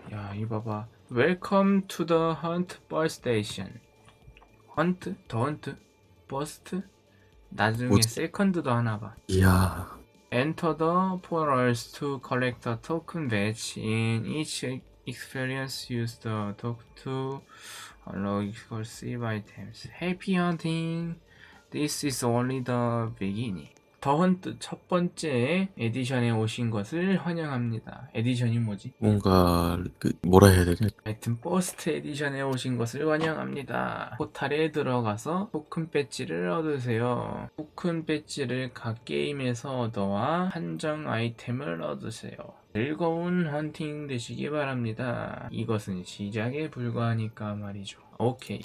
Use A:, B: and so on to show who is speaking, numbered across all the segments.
A: 야, 이거 봐봐. Welcome to the Hunt Bus Station. 헌트? 더 헌트? 버스트? 나중에
B: 뭐지?
A: 세컨드도 하나 봐.
B: 이야,
A: Enter the portals to collect a token badge. In each experience, use the token to unlock exclusive items. Happy hunting! This is only the beginning. 더 헌트 첫 번째 에디션에 오신 것을 환영합니다. 에디션이 뭐지?
B: 뭔가 뭐라 해야 되냐?
A: 하여튼 버스트 에디션에 오신 것을 환영합니다. 포탈에 들어가서 토큰 배지를 얻으세요. 토큰 배지를 각 게임에서 얻어와 한정 아이템을 얻으세요. 즐거운 헌팅 되시기 바랍니다. 이것은 시작에 불과하니까 말이죠. 오케이.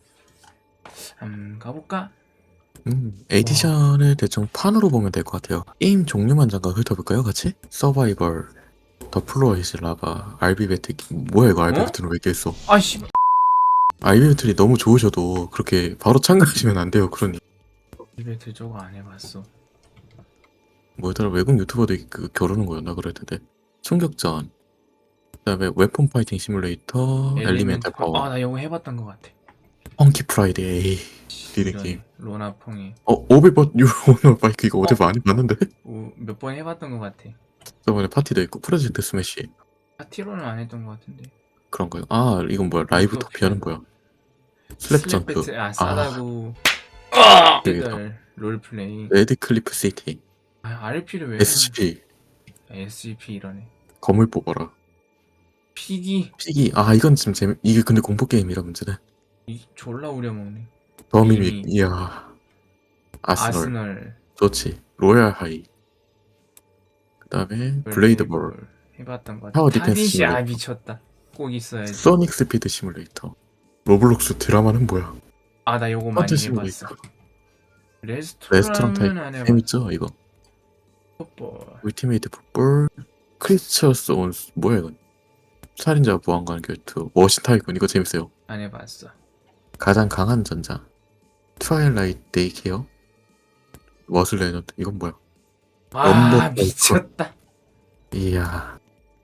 A: 가볼까?
B: 에디션을 대충 판으로 보면 될 것 같아요. 게임 종류만 잠깐 훑어볼까요, 같이? 서바이벌, 더 플로어이즈 라바, 알비 배틀. 뭐야 이거, 알비
A: 어?
B: 배틀은 왜 이렇게 했어?
A: 아씨.
B: 알비 배틀이 너무 좋으셔도 그렇게 바로 참가하시면 안 돼요. 그러니
A: 이베트 저거 안 해봤어.
B: 뭐더라, 외국 유튜버들이 겨루는 거였나 그럴 텐데. 총격전, 그다음에 웨폰 파이팅 시뮬레이터, 엘리멘탈 파워,
A: 나 이거 해봤던 것 같아.
B: 펑키 프라이데이, 리듬
A: 이런
B: 게임.
A: 로나퐁이
B: 오빌버 뉴 오너 바이크 이거 어제 많이 봤는데?
A: 몇 번 해봤던 것 같아.
B: 저번에 파티도 있고 프로젝트 스매시.
A: 파티로는 안 했던 것 같은데.
B: 그런가요? 아, 이건 뭐야? 라이브 터피아는 뭐야? 슬랩
A: 슬랩
B: 점프.
A: 배틀
B: 아,
A: 싸다고
B: 여기다.
A: 애들 롤플레이.
B: 레드 클리프 시티.
A: RP를 왜 해?
B: SCP.
A: SCP 이러네.
B: 검을 뽑아라.
A: 피기
B: 피기. 아, 이건 좀 이게 근데 공포 게임이라 문제네.
A: 졸라 우려먹네.
B: 더미밋.
A: 미미.
B: 이야. 아스널.
A: 아스널
B: 좋지. 로얄 하이. 그 다음에 블레이드 볼.
A: 해봤던 것 같아.
B: 타워 디펜스
A: 타깃이
B: 시뮬레이터.
A: 미쳤다. 꼭 있어야지.
B: 소닉 스피드 시뮬레이터. 로블록스 드라마는 뭐야?
A: 나 요거 많이
B: 헌트
A: 해봤어.
B: 시뮬레이터. 레스토랑 타입.
A: 레스토랑은 안 해봤어.
B: 재밌죠, 이거?
A: 풋볼.
B: 울티메이트 풋볼. 크리스처스 온, 뭐야, 이건? 살인자 보안관 결투. 머신 타이군. 이거 재밌어요.
A: 안 해봤어.
B: 가장 강한 전자. 트와일라이트 데이케어. 머슬 레너드. 이건 뭐야? 넘버
A: 미쳤다.
B: 이야.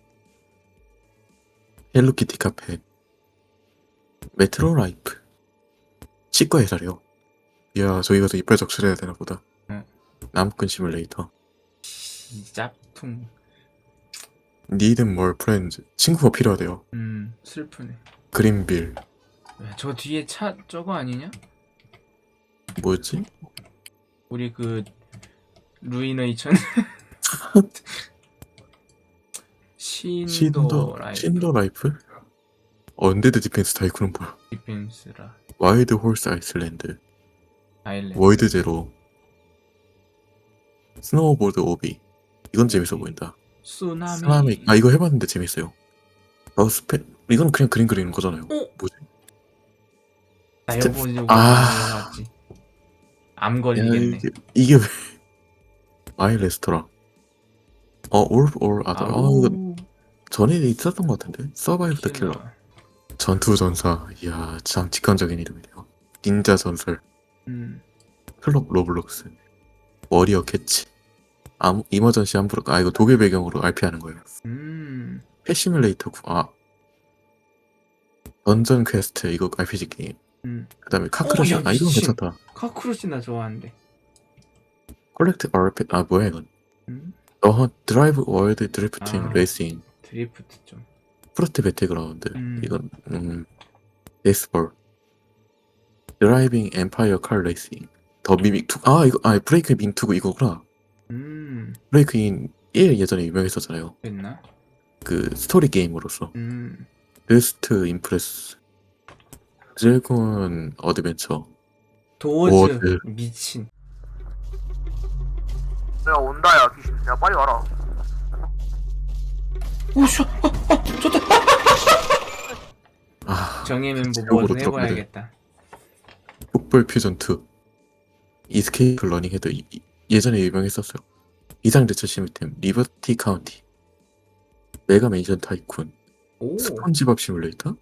B: 헬로키티 카페. 메트로 라이프. 치과 의사래요. 이야, 저기 가서 이빨 적출해야 되나 보다.
A: 응.
B: 나무꾼 시뮬레이터.
A: 짭퉁.
B: Need more friends. 친구가 필요하대요.
A: 슬프네.
B: 그린빌.
A: 저 뒤에 차 저거 아니냐?
B: 뭐였지?
A: 우리 루이너이천
B: 신더 라이프? 언데드 디펜스 타이쿤은 뭐야?
A: 디펜스라
B: 와일드 홀스 아이슬랜드.
A: 아일랜드.
B: 월드 제로. 스노우보드 오비. 이건 재밌어 보인다.
A: 쓰나미.
B: 아, 이거 해봤는데 재밌어요. 이건 그냥 그림 그리는 거잖아요. 뭐지?
A: 나 요거
B: 아.
A: 해봤지. 암 걸리겠네.
B: 이게 왜? 마이 레스토랑. 올 아더. 이거 전에 있었던 것 같은데. 서바이브 더 킬러. 전투 전사. 이야, 참 직관적인 이름이네요. 닌자 전설. 클럽 로블록스. 워리어 캐치. 이머전시 함부로. 이거 독일 배경으로 RP하는 거예요. 패시뮬레이터 9. 던전 퀘스트. 이거 RPG 게임. 그 다음에 카크러시. 이건 괜찮다.
A: 카크러시 나 좋아하는데.
B: 콜렉트 RP. 뭐야 이건? 드라이브 월드 드리프팅 레이싱.
A: 드리프트 좀.
B: 프로트 배틀그라운드. 이건 베이스볼. 드라이빙 엠파이어 칼 레이싱. 더 미믹 2. 이거 브레이크 민 2고 이거구나. 브레이크 인 1 예전에 유명했었잖아요.
A: 됐나?
B: 그 스토리 게임으로서. 베스트 임프레스. 드래곤 어드벤처.
A: 도어즈 미친.
C: 내가 온다 야 귀신. 야 빨리 와라.
A: 오쇼. 좋다. 정예 멤버
B: 제목으로
A: 뭐 해봐야겠다.
B: 풋볼 퓨전 2. 이스케이프 러닝 헤드. 예전에 유명했었어요. 이상 대처 시스템. 리버티 카운티. 메가 맨션 타이쿤. 스폰지밥 시뮬레이터.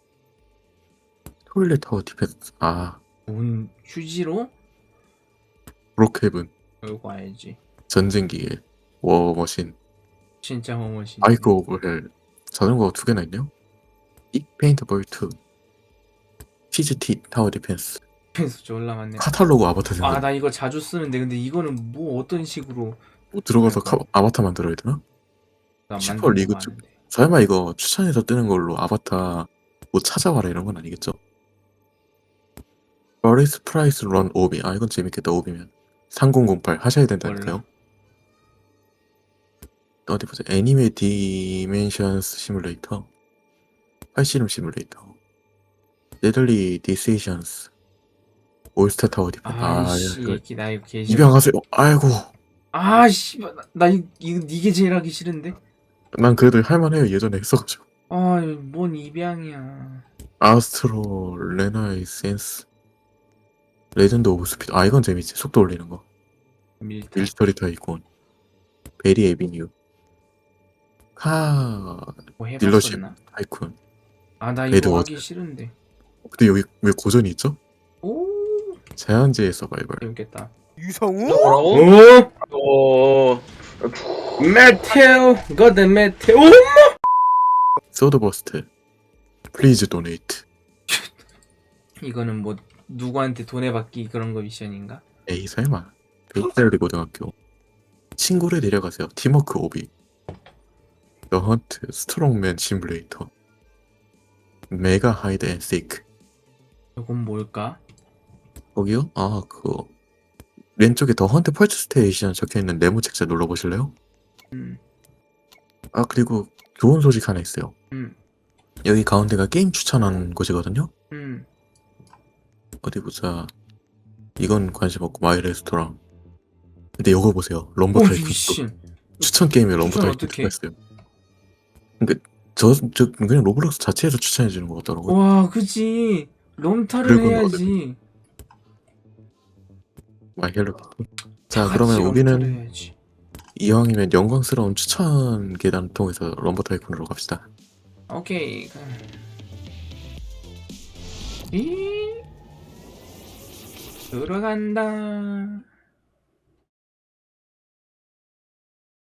B: 토일렛 타워 디펜스.
A: 뭔 휴지로?
B: 브로크헤븐.
A: 이거 알지.
B: 전쟁기계. 워머신.
A: 진짜 허머신.
B: 바이크 오브 헬. 자전거가 2개나 있네요. 이 페인터볼 2 PGT 타워 디펜스
A: 그래서 좀 올라왔네.
B: 카탈로그 아바타 생각.
A: 아 나 이거 자주 쓰는데 근데 이거는 뭐 어떤 식으로
B: 뭐 들어가서
A: 그러니까.
B: 아바타 만들어야 되나?
A: 난
B: 슈퍼
A: 만든
B: 리그
A: 거
B: 쪽.
A: 아는데.
B: 설마 이거 추천해서 뜨는 걸로 아바타 뭐 찾아와라 이런 건 아니겠죠? 버리스 프라이스 런 오비. 아 이건 재밌겠다. 오비면 3008 하셔야 된다니까요.
A: 몰라.
B: 어디 보자. 애니메 디멘션스 시뮬레이터, 팔씨름 시뮬레이터, 네덜리 디세이션스, 올스타 타워 디펜.
A: 아이씨
B: 이거
A: 나 이거 개 싫어.
B: 입양하세요. 아이고,
A: 아씨 나 이거 이게 제일 하기 싫은데.
B: 난 그래도 할만해요. 예전에 했어가지고.
A: 아뭔 입양이야.
B: 아스트로 레나이센스, 레전드 오브 스피드. 아 이건 재밌지. 속도 올리는 거.
A: 밀타.
B: 밀스터리 타이콘, 베리 에비뉴, 카
A: 뭐
B: 딜러십
A: 해봤었나?
B: 타이쿤.
A: 아나
B: 에드워드.
A: 이거 하기 싫은데.
B: 근데 여기 왜 고전이 있죠?
A: 오
B: 제한제의 서바이벌.
A: 재밌겠다.
C: 유성우?
D: 뭐라고?
A: 오
D: 어.
A: 메테오 거드 메테오.
B: 소드버스트, 플리즈 도네이트.
A: 이거는 뭐 누구한테 돈에 받기 그런 거 미션인가?
B: 에이 설마. 베이스리 고등학교. 친구를 데려가세요. 팀워크 오비. 더 헌트, 스트롱맨 시뮬레이터, 메가 하이드 앤 세이크.
A: 이건 뭘까?
B: 거기요? 아 그거 왼쪽에 더 헌트 펄츠 스테이션 적혀있는 네모 책자 눌러보실래요?
A: 음.
B: 아 그리고 좋은 소식 하나 있어요.
A: 음.
B: 여기 가운데가 게임 추천하는 곳이거든요.
A: 음.
B: 어디 보자. 이건 관심 없고 마이 레스토랑. 근데 이거 보세요. 럼버
A: 오
B: 타이쿤.
A: 미친.
B: 추천 게임에 럼버
A: 추천
B: 타이쿤
A: 어떡해?
B: 들어있어요. 그러니까 저 그냥 로블록스 자체에서 추천해 주는 것 같더라고요.
A: 와 그지. 롬타를
B: 그리고
A: 해야지.
B: 마이 헬로. 자
A: 다
B: 그러면
A: 같이
B: 우리는
A: 롬타를 해야지.
B: 이왕이면 영광스러운 추천 계단 통해서 럼버 타이쿤으로 갑시다.
A: 오케이. 이 들어간다.